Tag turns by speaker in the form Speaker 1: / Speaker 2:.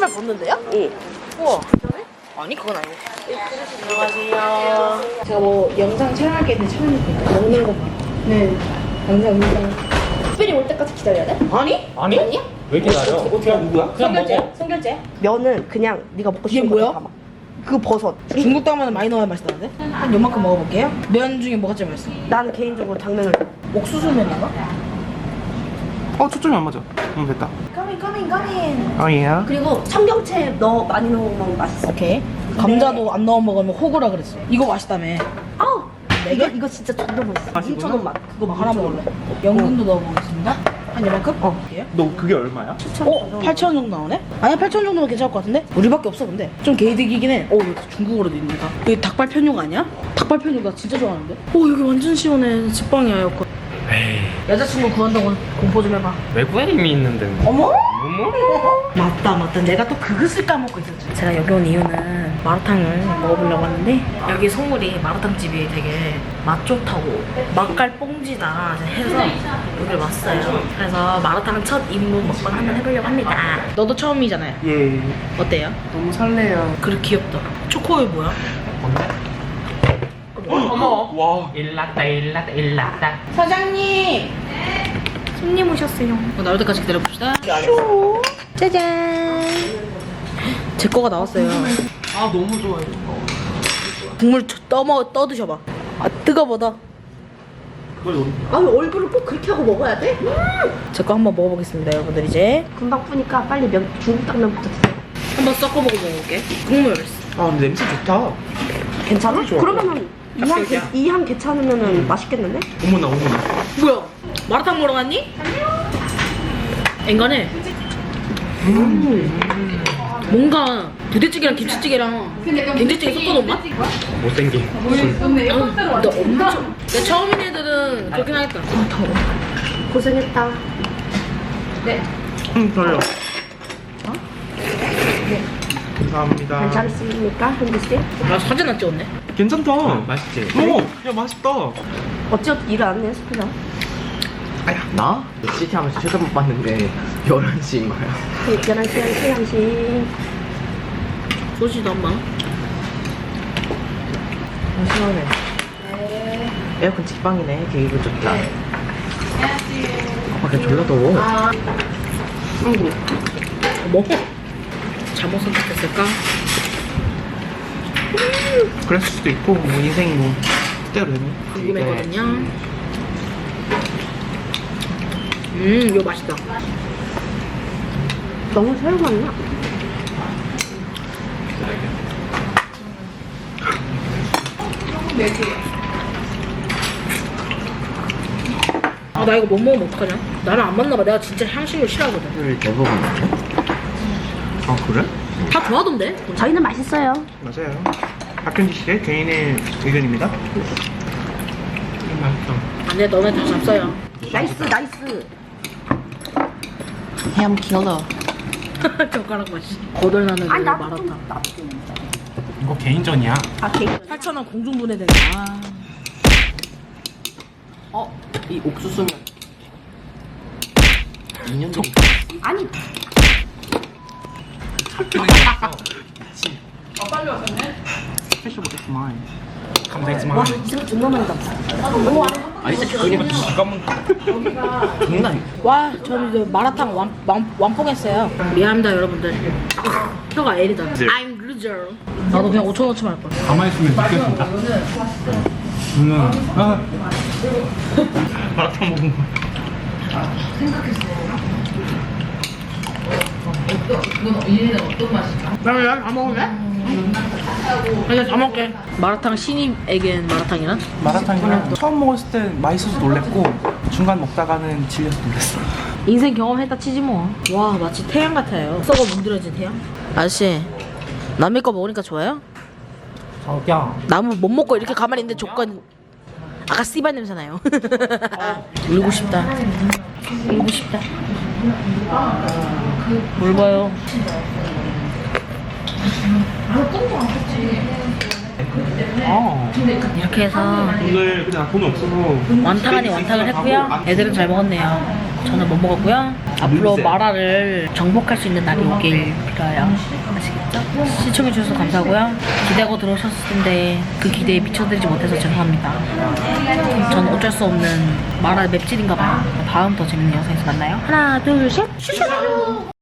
Speaker 1: 신발 벗는데요? 응. 우와. 아니 그건 아니고. 안녕하세요. 제가 뭐 영상 촬영할 게 있는데 촬영할게요. 먹는 거 봐. 네. 감사합니다. 특별히 올 때까지 기다려야 돼? 아니? 아니야?
Speaker 2: 왜 이렇게 나려?
Speaker 1: 그냥
Speaker 2: 누구야? 그냥 먹어.
Speaker 1: 성결제. 면은 그냥 네가 먹고 싶은
Speaker 3: 이게
Speaker 1: 거
Speaker 3: 뭐야?
Speaker 1: 담아. 그 버섯.
Speaker 3: 중국 당면은 많이 넣어야 맛있다는데? 한 요만큼 먹어볼게요. 면 중에 뭐가 제일 맛있어?
Speaker 1: 나는 개인적으로 당면을.
Speaker 3: 옥수수면인가?
Speaker 2: 초점이 안 맞아. 됐다.
Speaker 1: 까민.
Speaker 2: 예.
Speaker 1: 그리고 청경채 많이 넣으면 맛있어.
Speaker 3: 오케이. 감자도 안 넣어 먹으면 호구라 그랬어. 이거 맛있다며.
Speaker 1: 아우.
Speaker 3: 네 개?
Speaker 1: 이거 진짜 존나 맛있어.
Speaker 2: 맛있구나.
Speaker 1: 2,000원 맛.
Speaker 3: 그거 하나 먹을래. 연근도 넣어보겠습니다. 한 요만큼?
Speaker 1: 볼게요.
Speaker 2: 너 그게 얼마야?
Speaker 3: 8,000원 정도 나오네? 아니야 8,000원 정도면 괜찮을 것 같은데? 우리밖에 없어 근데 좀 개이득이긴 해. 여기 중국어로도 있는다. 여기 닭발 편육 아니야? 닭발 편육 나 진짜 좋아하는데? 여기 완전 시원해. 집방이야 에어컨.
Speaker 2: 에이,
Speaker 3: 여자친구 구한다고 공포 좀 해봐.
Speaker 2: 외국에 이미 있는데.
Speaker 3: 어머?
Speaker 2: 어머?
Speaker 3: 맞다 내가 또 그것을 까먹고 있었지. 제가 여기 온 이유는 마라탕을 먹어보려고 하는데 여기 소물이 마라탕 집이 되게 맛 좋다고 맛깔 뽕지다 해서 여기를 왔어요. 그래서 마라탕 첫 입문 먹방 한번 해보려고 합니다. 너도 처음이잖아요.
Speaker 2: 예.
Speaker 3: 어때요?
Speaker 2: 너무 설레요.
Speaker 3: 그래 귀엽다. 초코우유 뭐야?
Speaker 2: 어머. 와. 일났다.
Speaker 3: 사장님! 손님 오셨어요. 나올 때까지 기다려봅시다. 짜잔! 제 거가 나왔어요.
Speaker 2: 아 너무 좋아요.
Speaker 3: 국물 떠드셔봐. 아, 뜨거워다.
Speaker 2: 그걸 노린
Speaker 1: 아, 왜 얼굴을 꼭 그렇게 하고 먹어야 돼?
Speaker 3: 제 거 한번 먹어보겠습니다, 여러분들 이제.
Speaker 1: 금방 푸니까 빨리 중국 당면부터 드세요.
Speaker 3: 한번 섞어보고 먹어볼게. 국물.
Speaker 2: 아 근데 냄새 좋다.
Speaker 1: 괜찮아?
Speaker 2: 좋아.
Speaker 1: 그러면은
Speaker 3: 닭갈비야.
Speaker 1: 이 향 괜찮으면은 맛있겠는데?
Speaker 2: 어머나.
Speaker 3: 뭐야? 마라탕 먹으러 갔니? 앵간해. 뭔가 부대찌개랑 김치찌개랑 된장찌개 섞어놓은 맛?
Speaker 2: 못생긴.
Speaker 3: 너 엄청. 내 처음인 애들은 그렇긴 하겠다.
Speaker 1: 고생했다.
Speaker 2: 저요. 감사합니다.
Speaker 1: 괜찮습니까, 현지 씨?
Speaker 3: 나 사진 안 찍었네.
Speaker 2: 괜찮다. 맛있지? 야 맛있다.
Speaker 1: 어찌어찌 일을 안 해, 스프장?
Speaker 4: 나? 시티 하면서 쳐다못 봤는데 11시인 거야.
Speaker 1: 특별한 시간 시간씩.
Speaker 3: 소시도 한 번.
Speaker 4: 시원해. 에어컨 직방이네. 되게 기분 좋다. 밖에 졸라 더워.
Speaker 3: 뭐? 잘못 선택했을까?
Speaker 2: 그랬을 수도 있고 뭐 인생이 뭐 뜻대로 되네.
Speaker 3: 궁금했거든요. 이거 맛있다.
Speaker 1: 너무 새우 같나?
Speaker 3: 아, 나 이거 못 먹으면 어떡하냐? 나랑 안 맞나 봐. 내가 진짜 향신료 싫어하거든.
Speaker 4: 술 대부분 먹죠?
Speaker 2: 아 그래?
Speaker 3: 다 좋아하던데?
Speaker 1: 저희는 맛있어요.
Speaker 2: 맞아요. 박현지 씨의 개인의 의견입니다. 맛있다.
Speaker 3: 안 돼, 너네 다 잡숴요.
Speaker 1: 나이스.
Speaker 4: 햄 킬러.
Speaker 3: 젓가락 맛이. 거덜나는
Speaker 1: 아니, 나도
Speaker 3: 마라탕.
Speaker 1: 좀, 나도 좀.
Speaker 2: 이거 개인전이야.
Speaker 1: 아, 개인.
Speaker 3: 8,000원 공중분해된다.
Speaker 4: 이 옥수수면 2년 전.
Speaker 1: 아니,
Speaker 2: 스페셜 못했구만. 감사했지만.
Speaker 1: 와, 이 생각 존나 많이 담았어.
Speaker 4: 아니 진짜 그냥 장난.
Speaker 3: 와, 저는 이제 마라탕 완뽕했어요. 미안합니다, 여러분들. 혀가 L이다. I'm loser. 나도 그냥 5,000원치만 할 거야.
Speaker 2: 가만히 있으면 느껴진다. 아. 마라탕 먹은 거.
Speaker 3: 나 다 먹을래? 이제 다 먹게. 마라탕 신입에겐 마라탕이란?
Speaker 2: 마라탕이랑 처음 먹었을 때 맛있어서 놀랬고 중간 먹다가는 질려서 놀랬어.
Speaker 3: 인생 경험했다 치지 뭐. 와, 마치 태양 같아요. 썩어 문드러진 태양. 아저씨, 남의 거 먹으니까 좋아요?
Speaker 2: 저기요.
Speaker 3: 나무 못 먹고 이렇게 가만히 있는데 조건 아까 씨발 냄새 나요. 울고 싶다. 울고 싶다. 뭘 봐요? 이렇게 해서
Speaker 2: 오늘 그냥 돈이 없어서
Speaker 3: 완탕 아니 완탕을 했고요. 애들은 잘 먹었네요. 저는 못 먹었고요. 앞으로
Speaker 2: 물세.
Speaker 3: 마라를 정복할 수 있는 날이 오길 빌어요. 아시겠죠? 시청해주셔서 감사하고요. 기대하고 들어오셨을 텐데 그 기대에 미쳐드리지 못해서 죄송합니다. 저는 어쩔 수 없는 마라 맵찔인가 봐요. 다음 더 재밌는 영상에서 만나요. 하나, 둘, 셋! 슈슈!